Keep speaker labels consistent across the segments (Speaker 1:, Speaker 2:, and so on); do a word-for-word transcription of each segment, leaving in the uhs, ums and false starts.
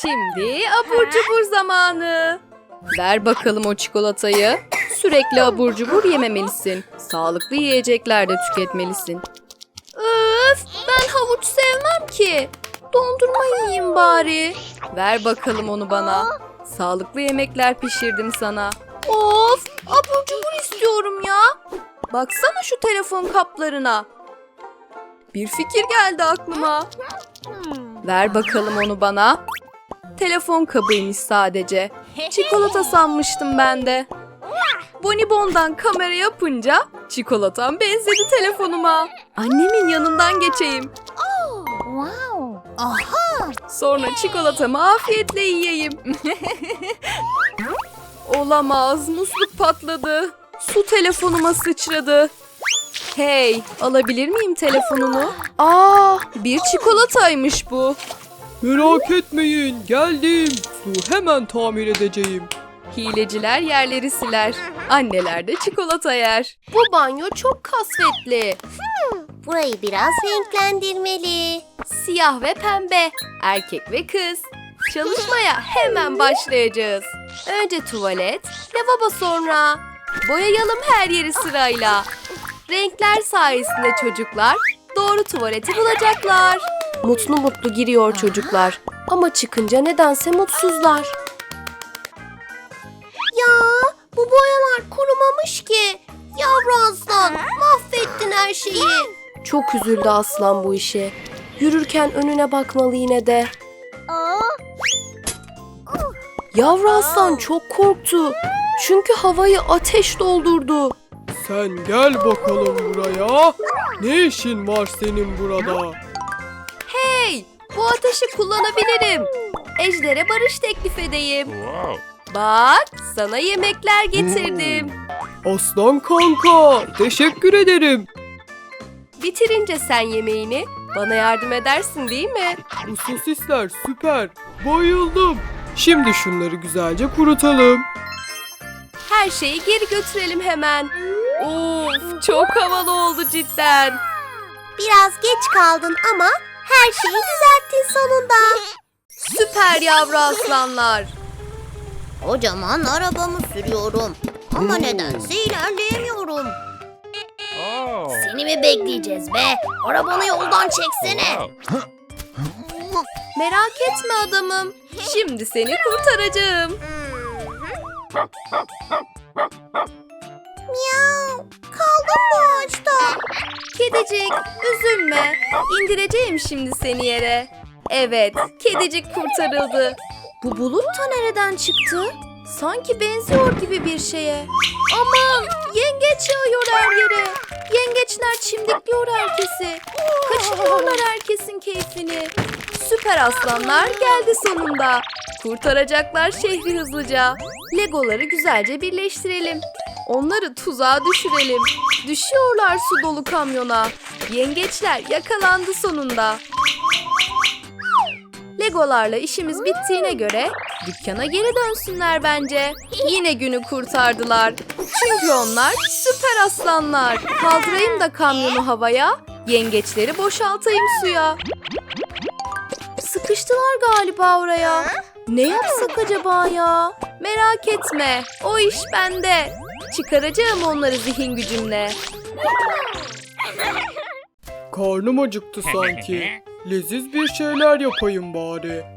Speaker 1: Şimdi abur cubur zamanı. Ver bakalım o çikolatayı. Sürekli abur cubur yememelisin. Sağlıklı yiyecekler de tüketmelisin. Öf, ben havuç sevmem ki. Dondurma yiyeyim bari. Ver bakalım onu bana. Sağlıklı yemekler pişirdim sana. Of, abur cubur istiyorum ya. Baksana şu telefon kaplarına. Bir fikir geldi aklıma. Ver bakalım onu bana. Telefon kabıymış sadece. Çikolata sanmıştım ben de. Bonibon'dan kamera yapınca çikolatam benzedi telefonuma. Annemin yanından geçeyim.
Speaker 2: Wow. Aha.
Speaker 1: Sonra çikolatamı afiyetle yiyeyim. Olamaz, musluk patladı. Su telefonuma sıçradı. Hey, alabilir miyim telefonunu? Aa, bir çikolataymış bu.
Speaker 3: Merak etmeyin, geldim. Su hemen tamir edeceğim.
Speaker 1: Hileciler yerleri siler. Anneler de çikolata yer. Bu banyo çok kasvetli.
Speaker 2: Burayı biraz renklendirmeli.
Speaker 1: Siyah ve pembe. Erkek ve kız. Çalışmaya hemen başlayacağız. Önce tuvalet, lavabo sonra. Boyayalım her yeri sırayla. Renkler sayesinde çocuklar doğru tuvaleti bulacaklar. Mutlu mutlu giriyor çocuklar. Ama çıkınca nedense mutsuzlar.
Speaker 2: Ya bu boyalar kurumamış ki. Yavru aslan, mahvettin her şeyi.
Speaker 1: Çok üzüldü aslan bu işe. Yürürken önüne bakmalı yine de. Yavru aslan çok korktu. Çünkü havayı ateş doldurdu.
Speaker 3: Sen gel bakalım buraya. Ne işin var senin burada?
Speaker 1: Hey, bu ateşi kullanabilirim. Ejder'e barış teklif edeyim. Bak, sana yemekler getirdim.
Speaker 3: Aslan kanka, teşekkür ederim.
Speaker 1: Bitirince sen yemeğini bana yardım edersin değil mi?
Speaker 3: Bu sosisler süper. Bayıldım. Şimdi şunları güzelce kurutalım.
Speaker 1: Her şeyi geri götürelim hemen. Of, çok havalı oldu cidden.
Speaker 2: Biraz geç kaldın ama her şeyi düzelttin sonunda.
Speaker 1: Süper yavru aslanlar.
Speaker 2: Kocaman arabamı sürüyorum. Ama nedense ilerleyemiyorum. Seni mi bekleyeceğiz be? Arabanı yoldan çeksene.
Speaker 1: Merak etme adamım. Şimdi seni kurtaracağım.
Speaker 2: Miyav. Kaldım bu ağaçta.
Speaker 1: Kedicik, üzülme. İndireceğim şimdi seni yere. Evet, kedicik kurtarıldı. Bu bulut da nereden çıktı? Sanki benziyor gibi bir şeye. Aman, yengeç yağıyor her yere. Yengeçler çimdikliyor herkesi. Kaçırıyorlar herkesin keyfini. Süper aslanlar geldi sonunda. Kurtaracaklar şehri hızlıca. Legoları güzelce birleştirelim. Onları tuzağa düşürelim. Düşüyorlar su dolu kamyona. Yengeçler yakalandı sonunda. Legolarla işimiz bittiğine göre dükkana geri dönsünler bence. Yine günü kurtardılar. Çünkü onlar süper aslanlar. Kaldırayım da kamyonu havaya, yengeçleri boşaltayım suya. Sıkıştılar galiba oraya. Ne yapsak acaba ya? Merak etme, o iş bende. Çıkaracağım onları zihin gücümle.
Speaker 3: Karnım acıktı sanki. Leziz bir şeyler yapayım bari.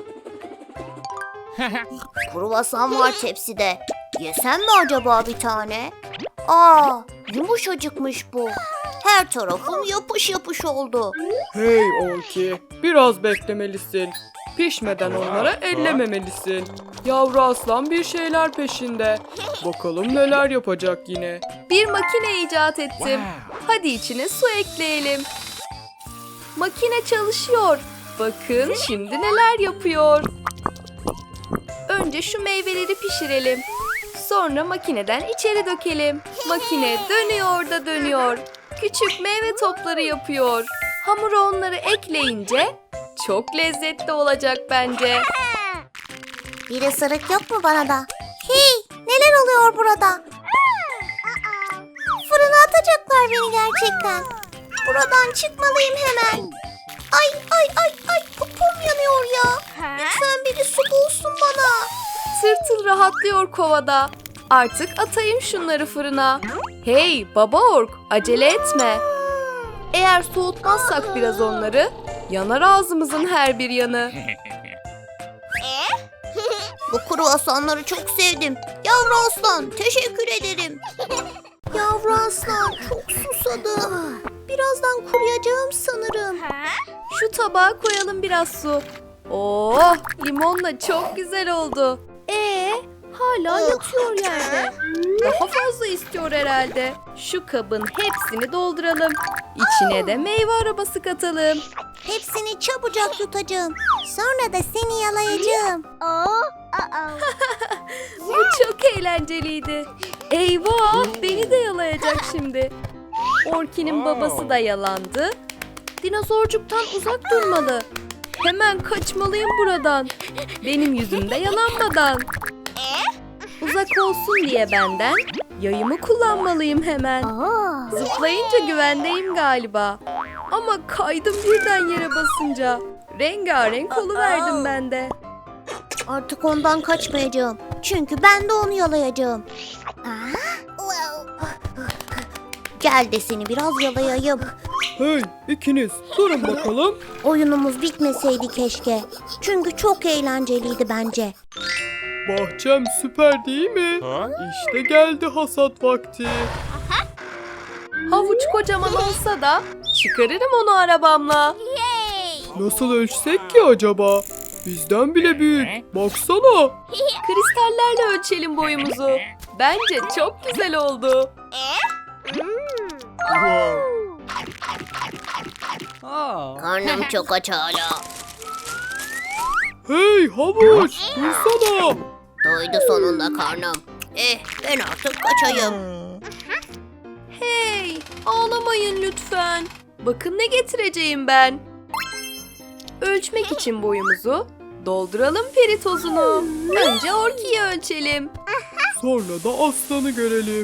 Speaker 2: Kruvasan var tepside. Yesem mi acaba bir tane? Aa, yumuşacıkmış bu. Her tarafım yapış yapış oldu.
Speaker 3: Hey Orki, biraz beklemelisin. Pişmeden onlara ellememelisin. Yavru aslan bir şeyler peşinde. Bakalım neler yapacak yine.
Speaker 1: Bir makine icat ettim. Hadi içine su ekleyelim. Makine çalışıyor. Bakın şimdi neler yapıyor. Önce şu meyveleri pişirelim. Sonra makineden içeri dökelim. Makine dönüyor da dönüyor. Küçük meyve topları yapıyor. Hamura onları ekleyince çok lezzetli olacak bence.
Speaker 2: Bir ısırık yok mu bana da? Hey, neler oluyor burada? Fırına atacaklar beni gerçekten. Buradan çıkmalıyım hemen. Ay ay ay ay popom yanıyor ya. Lütfen biri su bulsun bana.
Speaker 1: Tırtıl rahatlıyor kovada. Artık atayım şunları fırına. Hey baba ork, acele etme. Eğer soğutmazsak biraz onları, yanar ağzımızın her bir yanı.
Speaker 2: Bu kruvasanları çok sevdim. Yavru aslan, teşekkür ederim. Yavru aslan, çok susadım. Birazdan kuruyacağım sanırım.
Speaker 1: Şu tabağa koyalım biraz su. Oh, limonla çok güzel oldu. Ee, hala yatıyor yerde. Daha fazla istiyor herhalde. Şu kabın hepsini dolduralım. İçine de meyve arabası katalım.
Speaker 2: Hepsini çabucak tutacağım. Sonra da seni yalayacağım.
Speaker 1: Bu çok eğlenceliydi. Eyvah, beni de yalayacak şimdi. Orki'nin babası da yalandı. Dinozorcuktan uzak durmalı. Hemen kaçmalıyım buradan. Benim yüzümde yalanmadan. Uzak olsun diye benden yayımı kullanmalıyım hemen. Zıplayınca güvendeyim galiba. Ama kaydım birden yere basınca. Rengarenk oluverdim ben de.
Speaker 2: Artık ondan kaçmayacağım. Çünkü ben de onu yalayacağım. Gel de seni biraz yalayayım.
Speaker 3: Hey ikiniz durun bakalım.
Speaker 2: Oyunumuz bitmeseydi keşke. Çünkü çok eğlenceliydi bence.
Speaker 3: Bahçem süper değil mi? İşte geldi hasat vakti.
Speaker 1: Havuç kocaman olsa da çıkarırım onu arabamla.
Speaker 3: Nasıl ölçsek ki acaba? Bizden bile büyük. Baksana.
Speaker 1: Kristallerle ölçelim boyumuzu. Bence çok güzel oldu.
Speaker 2: Karnım çok aç hala.
Speaker 3: Hey havuç dursana.
Speaker 2: Doydu sonunda karnım. Eh, ben artık kaçayım.
Speaker 1: Hey, ağlamayın lütfen. Bakın ne getireceğim ben. Ölçmek için boyumuzu dolduralım peri tozunu. Önce Orki'yi ölçelim.
Speaker 3: Sonra da aslanı görelim.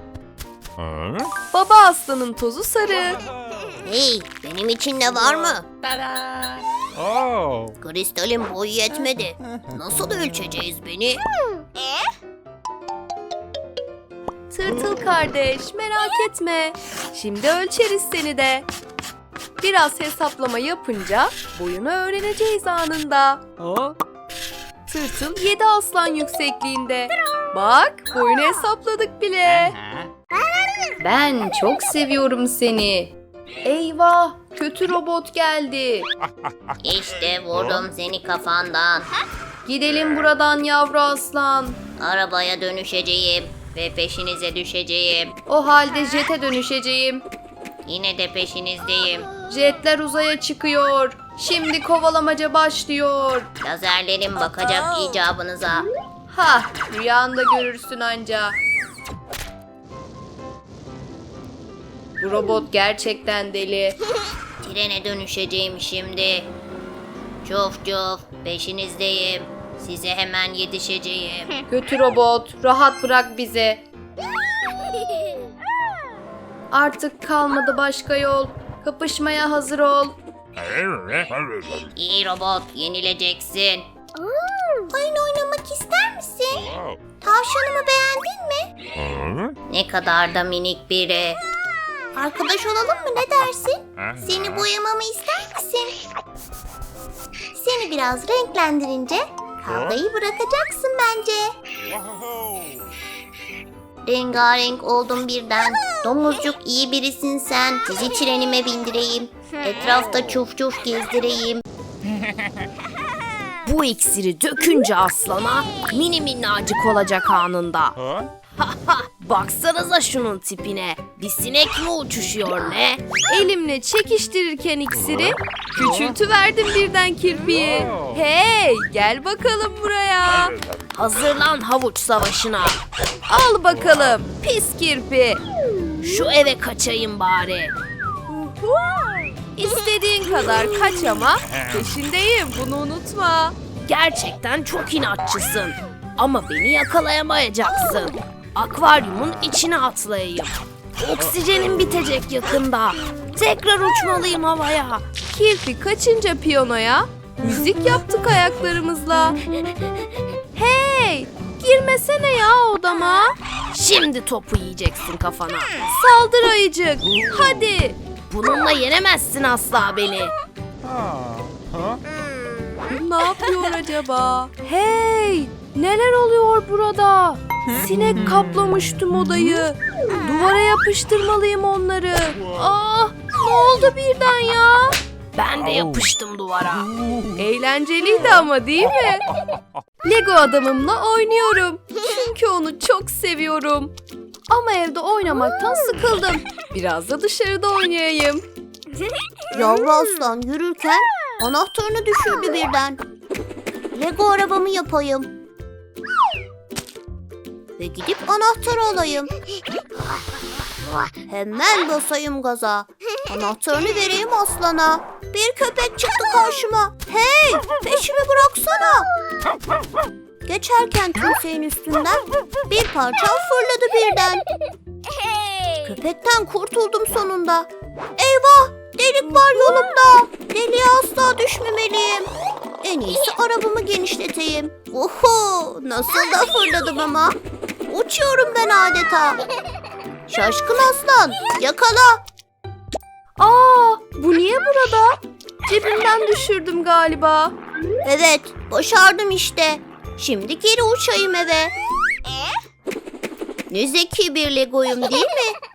Speaker 1: Baba aslanın tozu sarı.
Speaker 2: Hey, benim için ne var mı?
Speaker 4: Oh.
Speaker 2: Kristalin boyu yetmedi. Nasıl ölçeceğiz beni?
Speaker 1: Tırtıl kardeş, merak etme. Şimdi ölçeriz seni de. Biraz hesaplama yapınca boyunu öğreneceğiz anında.
Speaker 3: Ha?
Speaker 1: Tırtıl yedi aslan yüksekliğinde. Bak, boyunu hesapladık bile. Ben çok seviyorum seni. Eyvah, kötü robot geldi.
Speaker 2: İşte vurdum seni kafandan.
Speaker 1: Gidelim buradan yavru aslan.
Speaker 2: Arabaya dönüşeceğim ve peşinize düşeceğim.
Speaker 1: O halde jete dönüşeceğim.
Speaker 2: Yine de peşinizdeyim.
Speaker 1: Jetler uzaya çıkıyor. Şimdi kovalamaca başlıyor.
Speaker 2: Lazerlerim bakacak icabınıza.
Speaker 1: Ha, rüyanda görürsün anca. Bu robot gerçekten deli.
Speaker 2: Trene dönüşeceğim şimdi. Cuf cuf, peşinizdeyim. Size hemen yetişeceğim.
Speaker 1: Kötü robot, rahat bırak bizi. Artık kalmadı başka yol. Kapışmaya hazır ol.
Speaker 2: İyi robot, yenileceksin. Oyun oynamak ister misin? Tavşanımı beğendin mi? Ne kadar da minik biri. Arkadaş olalım mı, ne dersin? Seni boyamamı ister misin? Seni biraz renklendirince kavgayı bırakacaksın bence. Rengarenk oldum birden. Domuzcuk iyi birisin sen. Sizi trenime bindireyim. Etrafta çuf çuf gezdireyim.
Speaker 1: Bu iksiri dökünce aslana mini minnacık olacak anında. Baksanıza şunun tipine. Bir sinek mi uçuşuyor ne? Elimle çekiştirirken iksiri küçültüverdim birden kirpiyi. Hey, gel bakalım buraya. Hazırlan havuç savaşına. Al bakalım pis kirpi. Şu eve kaçayım bari. İstediğin kadar kaç ama peşindeyim, bunu unutma. Gerçekten çok inatçısın. Ama beni yakalayamayacaksın. Akvaryumun içine atlayayım. Oksijenim bitecek yakında. Tekrar uçmalıyım havaya. Kirpi kaçınca piyanoya Müzik yaptık ayaklarımızla. Hey! Girmesene ya odama. Şimdi topu yiyeceksin kafana. Saldır ayıcık. Hadi. Bununla yenemezsin asla beni.
Speaker 4: Huh?
Speaker 1: Ne yapıyor acaba? Hey! Neler oluyor burada? Sinek kaplamış tüm odayı. Duvara yapıştırmalıyım onları. Ah! Ne oldu birden ya? Ben de yapıştım duvara. Eğlenceliydi ama değil mi? Lego adamımla oynuyorum. Çünkü onu çok seviyorum. Ama evde oynamaktan sıkıldım. Biraz da dışarıda oynayayım.
Speaker 2: Yavru aslan yürürken anahtarını düşürdü birden. Lego arabamı yapayım. Ve gidip anahtarı alayım. Hemen basayım gaza. Anahtarını vereyim aslana. Bir köpek çıktı karşıma. Hey, peşimi bıraksana. Geçerken tümseyin üstünden bir parça fırladı birden. Köpekten kurtuldum sonunda. Eyvah, delik var yolumda. Deliğe asla düşmemeliyim. En iyisi arabamı genişleteyim. Oho, nasıl da fırladım ama. Uçuyorum ben adeta. Şaşkın aslan, yakala.
Speaker 1: Aa, bu niye burada? Cebimden düşürdüm galiba.
Speaker 2: Evet, başardım işte. Şimdi geri uçayım eve. Ne zeki bir Lego'yum değil mi?